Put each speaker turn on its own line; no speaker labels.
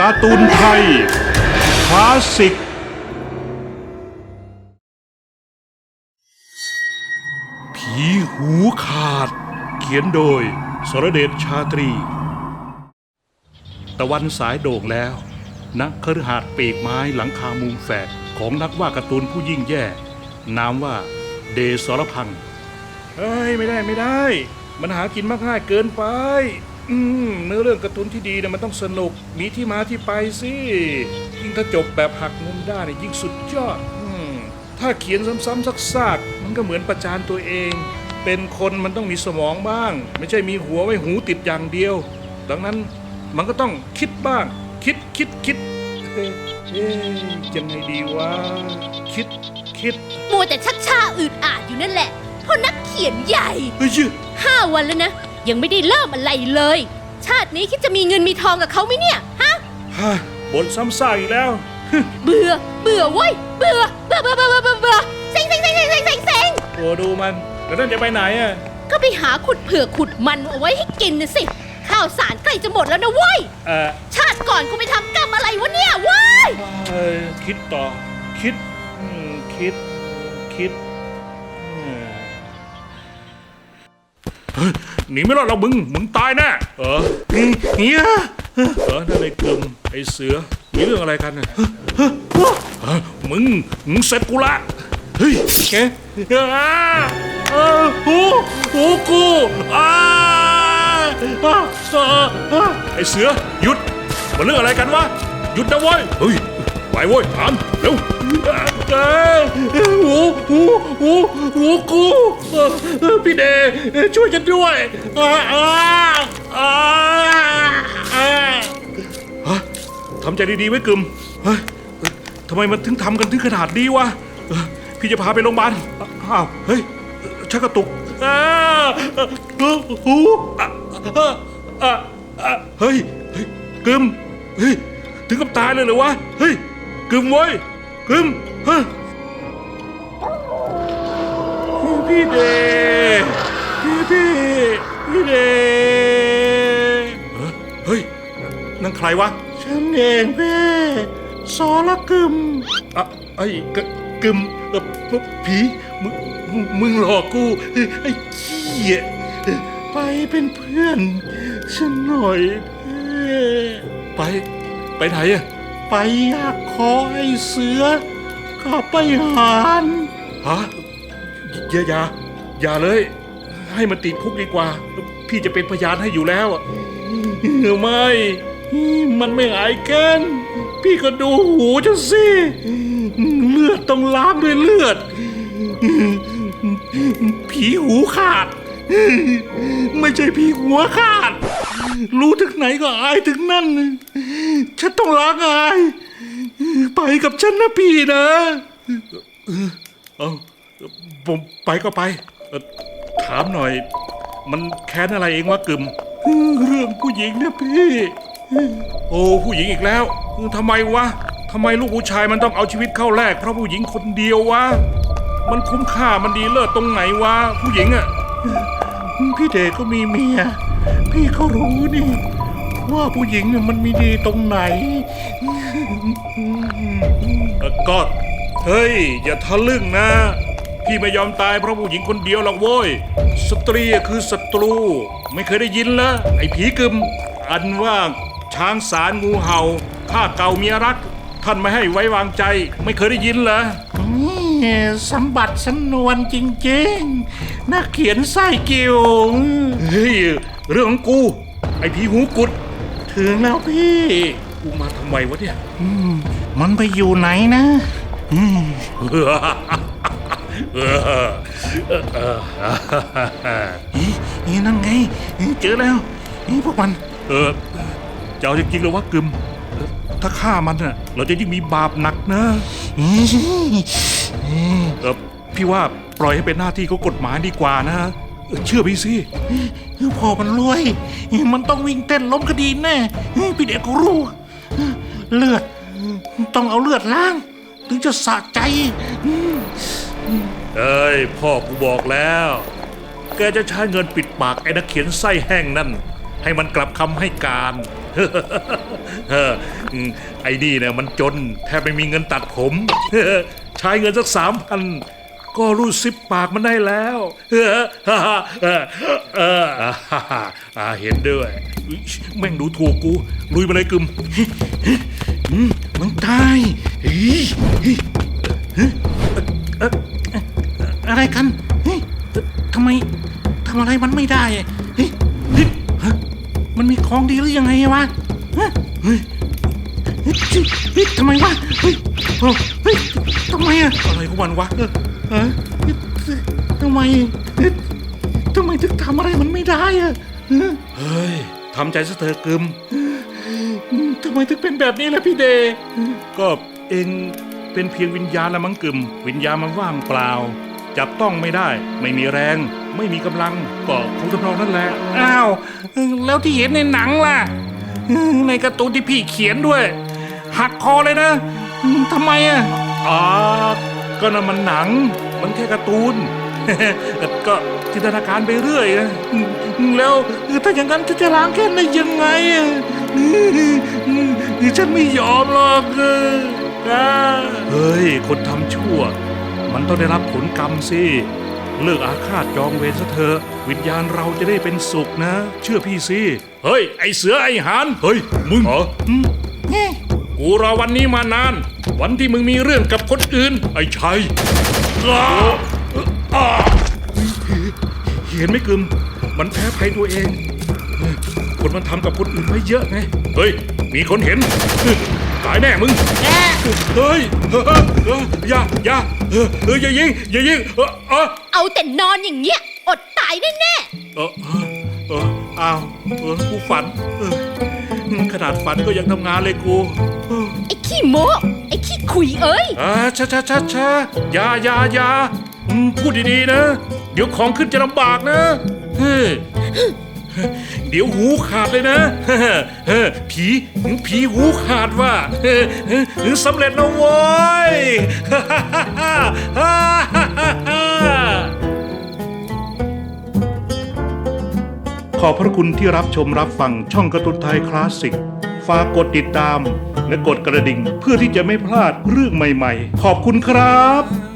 การ์ตูนไทยคลาสสิกผีหูขาดเขียนโดยสรเดชชาตรีตะวันสายโด่งแล้วนักคฤหาสน์ปีกไม้หลังคามุมแฝดของนักวาดการ์ตูนผู้ยิ่งแย่นามว่าเดสรพังษ์เฮ้ยไม่ได้มันหากินมากง่ายเกินไปเนื้อเรื่องการ์ตูนที่ดีเนี่ยมันต้องสนุกมีที่มาที่ไปสิยิ่งถ้าจบแบบหักมุมได้เนี่ยยิ่งสุดยอดถ้าเขียนซ้ำๆซากๆมันก็เหมือนประจานตัวเองเป็นคนมันต้องมีสมองบ้างไม่ใช่มีหัวไว้หูติดอย่างเดียวดังนั้นมันก็ต้องคิดบ้างคิดยังไงดีวะคิด
มัวแต่ชักช้าอืดอาดอยู่นั่นแหละเพราะนักเขียนใหญ่5 วันแล้วนะยังไม่ได้เริ่มอะไรเลยชาตินี้คิดจะมีเงินมีทองกับเขาไหมเนี่ยฮะ
บ่นซ้ำซากอีกแล้ว
เบื่อเว้ยเบื่อเซ็ง
โอ้ดูมันแล้วนั่นจะไปไหนอ่ะ
ก็ไปหาขุดเผือกขุดมันเอาไว้ให้กินนะสิข้าวสารใกล้จะหมดแล้วนะเว้ยชาติก่อนกูไปทำกรรมอะไรวะเนี่ยเว้ย
คิดต่อคิดหนีไม่รอดเรามึงตายแน่เนี่ยนั่นไอ้กลุ่มไอ้เสือมีเรื่องอะไรกันมึงเสร็จกูละเฮ้ยแกหูกูไอ้เสือหยุดมันเรื่องอะไรกันวะหยุดนะเว้ยเฮ้ยไปเว้ยถามเร็วหูกูพี่เดช่วยฉันด้วยทำใจดีๆไว้กึมทำไมมันถึงทำกันถึงขนาดนี้วะพี่จะพาไปโรงพยาบาลอ้าวเฮ้ยชักกระตุกหูเฮ้ยกึมเฮ้ยถึงกับตายเลยเหรอวะเฮ้ยกึมเว้ยกึมพี่เดเฮ้ยนั่นใครวะ
ฉันเองแม่สรกึม
ไอ้กึมผีมึงหลอกกูไอ้ขี้
ไปเป็นเพื่อนฉันหน่อย
ไปไหนอะ
ไปอยากขอไอ้เสือก็ไปหาร
อย่าเลยให้มันติดคุกดีกว่าพี่จะเป็นพยานให้อยู่แล้วไม่
มันไม่หายเกินพี่ก็ดูหูจะสิเลือดต้องล้างด้วยเลือดผีหูขาดไม่ใช่ผีหัวขาดรู้ถึงไหนก็อายถึงนั่นฉันต้องล้างอายไปกับฉันนะพี่นะ
ผมไปก็ไปถามหน่อยมันแค้นอะไรเองวะกึม
เรื่องผู้หญิงนะพี่
โอ้ผู้หญิงอีกแล้วทำไมวะทำไมลูกผู้ชายมันต้องเอาชีวิตเข้าแลกเพราะผู้หญิงคนเดียววะมันคุ้มค่ามันดีเลิศตรงไหนวะผู้หญิงอะ
พี่เดชก็มีเมียพี่เขารู้นี่ว่าผู้หญิงเนี่ยมันมีดีตรงไหน
ก็เฮ้ยอย่าทะลึ่งนะพี่ไม่ยอมตายเพราะผู้หญิงคนเดียวหรอกโว้ยสตรีคือศัตรูไม่เคยได้ยินเหรอไอ้ผีกึมอันว่าช้างสารงูเห่าข้าเก่าเมียรักท่านไม่ให้ไว้วางใจไม่เคยได้ยินเหรอ
สมบัติสำนวนจริงๆนักเขียนไส้กิ่ว
เฮ้ยเรื่องของกูไอ้ผีหูกุด
ถึงแล้วพี่
กูมาทำไมวะเนี่ย
มันไปอยู่ไหนนะนั่นไงเจอแล้วพวกมัน
จะเอาจริงๆเลยวะกึมถ้าฆ่ามันน่ะเราจะยิ่งมีบาปหนักนะพี่ว่าปล่อยให้เป็นหน้าที่ของกฎหมายดีกว่านะเชื่อพี่สิ
พอมันรวยมันต้องวิ่งเต้นล้มคดีแน่พี่เด็กก็รู้เลือดต้องเอาเลือดล้างถึงจะสะใจ
พ่อกูบอกแล้วแกจะใช้เงินปิดปากไอ้นักเขียนไส้แห้งนั่นให้มันกลับคำให้การ ไอ้นี่เนี่ยมันจนแทบไม่มีเงินตัดผม ใช้เงินสัก3,000ก็รูดซิปปากมันได้แล้ว เห็นด้วยแม่งดูถูกกูลุยมาเลยกึม
มึงตายอะไรกันทำไมทำอะไรมันไม่ได้มันมีของดีหรือยังไงวะทำไมวะทำไมอะ
อะไรของมันวะ
ทำไมถึงทำอะไรมันไม่ได้อะ
เฮ้ยทำใจซะเถอะกึม
ทำไมถึงเป็นแบบนี้ล่ะพี่เดย์
ก็เองเป็นเพียงวิญญาณละมั้งกึมวิญญาณมันว่างเปล่า จับต้องไม่ได้ ไม่มีแรง ไม่มีกำลังก็คงทำนองนั่นแหละ
อ้าวแล้วที่เห็นในหนังล่ะในการ์ตูนที่พี่เขียนด้วย หักคอเลยนะทำไมอะ
ก็นั่นมันหนัง มันแค่การ์ตูน ก็จินตนาการไปเรื่อยนะ
แล้วถ้าอย่างนั้นจะล้างแค้นได้ยังไงอะฉันไม่ยอมหรอก
เฮ้ย คนทำชั่ว มันต้องได้รับผลกรรมสิ เลิกอาฆาตจองเวรซะเถอะวิญญาณเราจะได้เป็นสุขนะ เชื่อพี่สิ เฮ้ย ไอเสือไอหานเฮ้ย มึงเหรอกูรอวันนี้มานาน วันที่มึงมีเรื่องกับคนอื่น ไอ้ชัยเห็นไหมกึม มันแพ้ภัยตัวเอง คนมันทำกับคนอื่นไว้เยอะไง เฮ้ย มีคนเห็น ตายแน่มึง เฮ้ยอย่าอย่ายิง
เอาแต่นอนอย่างเงี้ย อดตายแน่
อ้าวกูฝันขนาดฝันก็ยังทำงานเลยกู
ๆไอ้ขี้โม้ไอ้ขี้ขุยเอ้ย
ช้าอย่าพูดดีๆนะ เดี๋ยวของขึ้นจะลำบากนะเดี๋ยวหูขาดเลยนะผีหูขาดว่าสำเร็จแล้วโว้ย ขอบพระคุณที่รับชมรับฟังช่องการ์ตูนไทยคลาสสิก ฝากกดติดตามและกดกระดิ่งเพื่อที่จะไม่พลาดเรื่องใหม่ๆ ขอบคุณครับ